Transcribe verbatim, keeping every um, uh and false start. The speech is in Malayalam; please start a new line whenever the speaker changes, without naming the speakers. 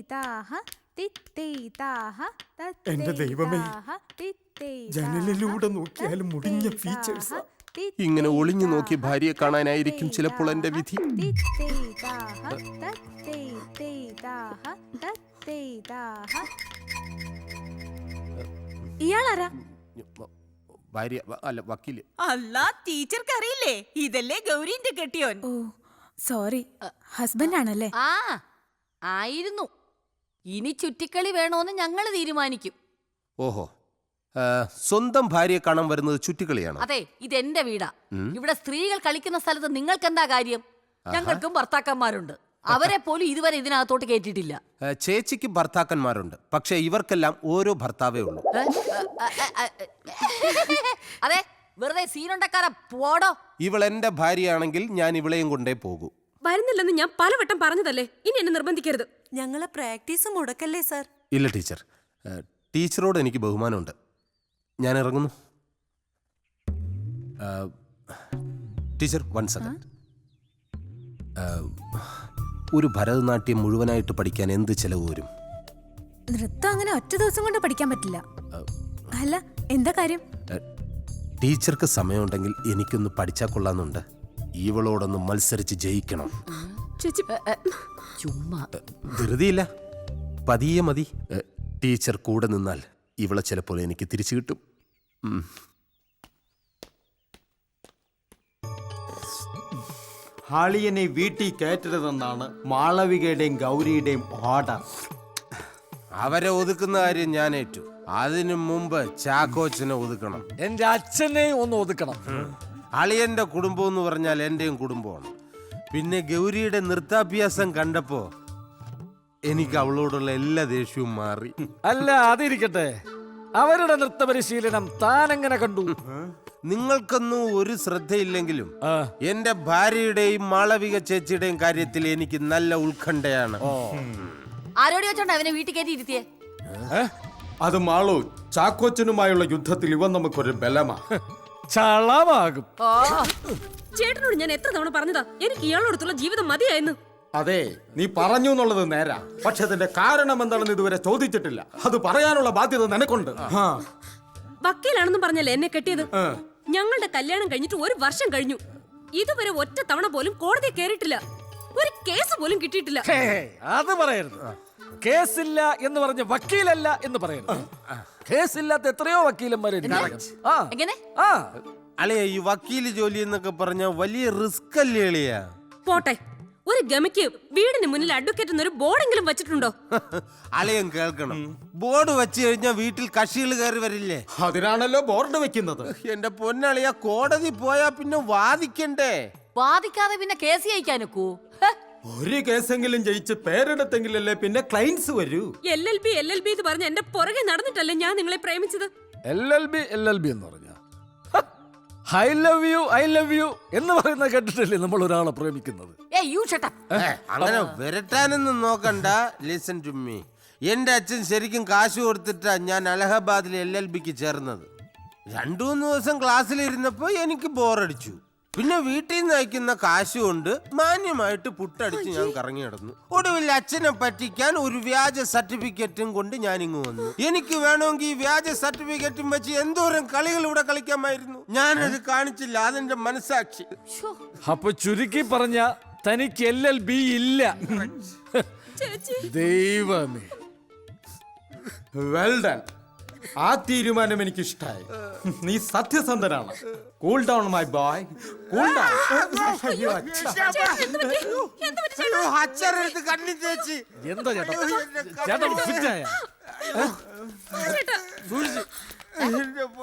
എന്റെ ദൈവമേ, ജനലിലൂടെ നോക്കിയാലും മുടിഞ്ഞ ഫീച്ചേഴ്സ്.
ഇങ്ങനെ ഒളിഞ്ഞു നോക്കി ഭാര്യയെ കാണാനായിരിക്കും ചിലപ്പോൾ എന്റെ വിധി.
ഇയാളാരാ?
ഭാര്യ അല്ല, വക്കീല്.
അല്ല, ടീച്ചർക്ക് അറിയില്ലേ? ഇതല്ലേ ഗൗരിന്റെ കെട്ടിയോൻ.
ഓ സോറി, ഹസ്ബൻഡ് ആണല്ലേ?
ആ ആയിരുന്നു. ഇനി ചുറ്റിക്കളി വേണോന്ന് ഞങ്ങൾ തീരുമാനിക്കും.
ഓഹോ, സ്വന്തം ഭാര്യയെ കാണാൻ വരുന്നത് ചുറ്റിക്കളിയാണ്?
അതെ, ഇതെന്റെ വീടാ. ഇവിടെ സ്ത്രീകൾ കളിക്കുന്ന സ്ഥലത്ത് നിങ്ങൾക്ക് എന്താ കാര്യം? ഞങ്ങൾക്കും ഭർത്താക്കന്മാരുണ്ട്. അവരെ പോലും ഇതുവരെ ഇതിനകത്തോട്ട് കേട്ടിട്ടില്ല.
ചേച്ചിക്ക് ഭർത്താക്കന്മാരുണ്ട്, പക്ഷെ ഇവർക്കെല്ലാം ഓരോ ഭർത്താവേ ഉള്ളൂ.
അതെ, വെറുതെ സീനുണ്ടക്കാരാ, പോടോ.
ഇവൾ എന്റെ ഭാര്യയാണെങ്കിൽ ഞാൻ ഇവളെയും കൊണ്ടേ പോകൂ.
വരുന്നില്ലെന്ന് ഞാൻ പലവട്ടം പറഞ്ഞതല്ലേ, ഇനി എന്നെ നിർബന്ധിക്കരുത്.
ഞങ്ങളെ പ്രാക്ടീസ് മുടക്കല്ലേ സാർ?
ഇല്ല ടീച്ചർ, ടീച്ചറോട് എനിക്ക് ബഹുമാനമുണ്ട്. ഞാൻ ഇറങ്ങുന്നു. Teacher, one second. ഒരു ഭരതനാട്യം മുഴുവനായിട്ട് പഠിക്കാൻ എന്ത് ചെലവ് വരും?
നൃത്തം അങ്ങനെ ഒറ്റ ദിവസം കൊണ്ട് പഠിക്കാൻ പറ്റില്ല. അല്ല, എന്താ കാര്യം?
ടീച്ചർക്ക് സമയമുണ്ടെങ്കിൽ എനിക്കൊന്ന് പഠിച്ചാൽ കൊള്ളാന്നുണ്ട്. ഇവളോടൊന്ന് മത്സരിച്ച് ജയിക്കണം.
ചുമ്മാ
ധൃതിയില്ല, പതിയെ മതി. ടീച്ചർ കൂടെ നിന്നാൽ ഇവളെ ചിലപ്പോൾ എനിക്ക് തിരിച്ചു കിട്ടും.
ഹാളിയനെ വീട്ടിൽ കയറ്റരുതെന്നാണ് മാളവികയുടെയും ഗൗരിയുടെയും ഓർഡർ.
അവരെ ഒതുക്കുന്ന കാര്യം ഞാൻ ഏറ്റു. അതിനു മുമ്പ് ചാക്കോച്ചനെ ഒതുക്കണം.
എന്റെ അച്ഛനെയും ഒന്ന് ഒതുക്കണം.
അളിയന്റെ കുടുംബം എന്ന് പറഞ്ഞാൽ എന്റെയും കുടുംബമാണ്. പിന്നെ ഗൗരിയുടെ നൃത്താഭ്യാസം കണ്ടപ്പോ എനിക്ക് അവളോടുള്ള എല്ലാ ദേഷ്യവും മാറി.
അല്ല, അതിരിക്കട്ടെ, അവരുടെ നൃത്ത പരിശീലനം താനെങ്ങനെ കണ്ടു?
നിങ്ങൾക്കൊന്നും ഒരു ശ്രദ്ധയില്ലെങ്കിലും എന്റെ ഭാര്യയുടെയും മാളവിക ചേച്ചിയുടെയും കാര്യത്തിൽ എനിക്ക് നല്ല ഉത്കണ്ഠയാണ്.
ആരോട് വെച്ചോണ്ട് അവനെ വീട്ടിൽ കയറ്റി ഇരുത്തിയേ?
അത് മാളു, ചാക്കോച്ചനുമായുള്ള യുദ്ധത്തിൽ ഇവൻ നമുക്കൊരു ബലമാ.
ചളമാകും.
ചേട്ടനോട് ഞാൻ എത്ര തവണ പറഞ്ഞതാ എനിക്ക് ഇയാളോടത്തുള്ള ജീവിതം മതിയായിരുന്നു.
അതെ, നീ പറഞ്ഞു എന്നുള്ളത് നേരാ, പക്ഷെ അതിന്റെ കാരണം എന്താണെന്ന് ഇതുവരെ ചോദിച്ചിട്ടില്ല. അത് പറയാനുള്ള ബാധ്യത നിനക്കുണ്ട്.
വക്കീലാണെന്നും പറഞ്ഞല്ലേ എന്നെ കെട്ടിയത്? ഞങ്ങളുടെ കല്യാണം കഴിഞ്ഞിട്ട് ഒരു വർഷം കഴിഞ്ഞു. ഇതുവരെ ഒറ്റ തവണ പോലും കോടതി കയറിയിട്ടില്ല. ഒരു കേസ് പോലും കിട്ടിയിട്ടില്ല.
അത് പറയരുത്. കേസില്ല എന്ന് പറഞ്ഞ വക്കീലല്ല എന്ന് പറയരുത്. കേസില്ലാത്ത എത്രയോ വക്കീലന്മാരുണ്ട്.
എങ്ങനെ?
അളിയ, ഈ വക്കീല് ജോലി എന്നൊക്കെ പറഞ്ഞ വലിയ റിസ്ക് അല്ലേ അളിയ?
പോട്ടെ, ഒരു ഗമയ്ക്ക് വീടിന് മുന്നിൽ അഡ്വക്കേറ്റ് എന്നൊരു ബോർഡെങ്കിലും വെച്ചിട്ടുണ്ടോ?
അളിയൻ കേൾക്കണം, ബോർഡ് വെച്ച് കഴിഞ്ഞാൽ വീട്ടിൽ കക്ഷികൾ കയറി വരില്ലേ?
അതിനാണല്ലോ ബോർഡ് വെക്കുന്നത്.
എന്റെ പൊന്നളിയ, കോടതി പോയാ പിന്നെ വാദിക്കണ്ടേ?
വാദിക്കാതെ പിന്നെ കേസ് ജയിക്കാനൊക്കൂ?
ഒരു കേസെങ്കിലും ജയിച്ച് പേരെടുത്തെങ്കിലല്ലേ പിന്നെ ക്ലൈൻസ് വരൂ.
L L B L L B എന്ന് പറഞ്ഞ എന്റെ പുറകെ നടന്നിട്ടല്ലേ ഞാൻ നിങ്ങളെ പ്രേമിച്ചത്?
L L B L L B എന്ന് പറഞ്ഞ I love you I love you എന്ന് പറയുന്ന കേട്ടിട്ടല്ലേ നമ്മൾ ഒരാളെ പ്രേമിക്കുന്നത്?
അങ്ങനെ വരട്ടാനൊന്നും നോക്കണ്ട. Listen to me. എന്റെ അച്ഛൻ ശരിക്കും കാശ് കൊടുത്തിട്ടാ ഞാൻ അലഹബാദിലെ എൽ എൽ ബിക്ക് ചേർന്നത്. രണ്ടു മൂന്ന് ദിവസം ക്ലാസ്സിലിരുന്നപ്പോ എനിക്ക് ബോറടിച്ചു. പിന്നെ വീട്ടിൽ നിന്ന് അയക്കുന്ന കാശ് കൊണ്ട് മാന്യമായിട്ട് പുട്ടടിച്ച് ഞാൻ കറങ്ങി നടന്നു. ഒടുവിൽ അച്ഛനെ പറ്റിക്കാൻ ഒരു വ്യാജ സർട്ടിഫിക്കറ്റും കൊണ്ട് ഞാൻ ഇങ്ങ് വന്നു. എനിക്ക് വേണമെങ്കിൽ ഈ വ്യാജ സർട്ടിഫിക്കറ്റും വെച്ച് എന്തോരം കളികൾ ഇവിടെ കളിക്കാമായിരുന്നു. ഞാനത് കാണിച്ചില്ല, അതെന്റെ മനസാക്ഷി.
അപ്പൊ ചുരുക്കി പറഞ്ഞ തനിക്ക് എൽ എൽ ബി ഇല്ല. ദൈവമേ,
വെൽ ഡൺ. ആ തീരുമാനം എനിക്ക് ഇഷ്ടായി. നീ സത്യസന്ധനാണ്. Cool down my boy, cool down.
അച്ഛനെടുത്ത് കണ്ണി തേച്ച്
എന്താ ചേട്ടാ ചേട്ടാ ഫിറ്റായ?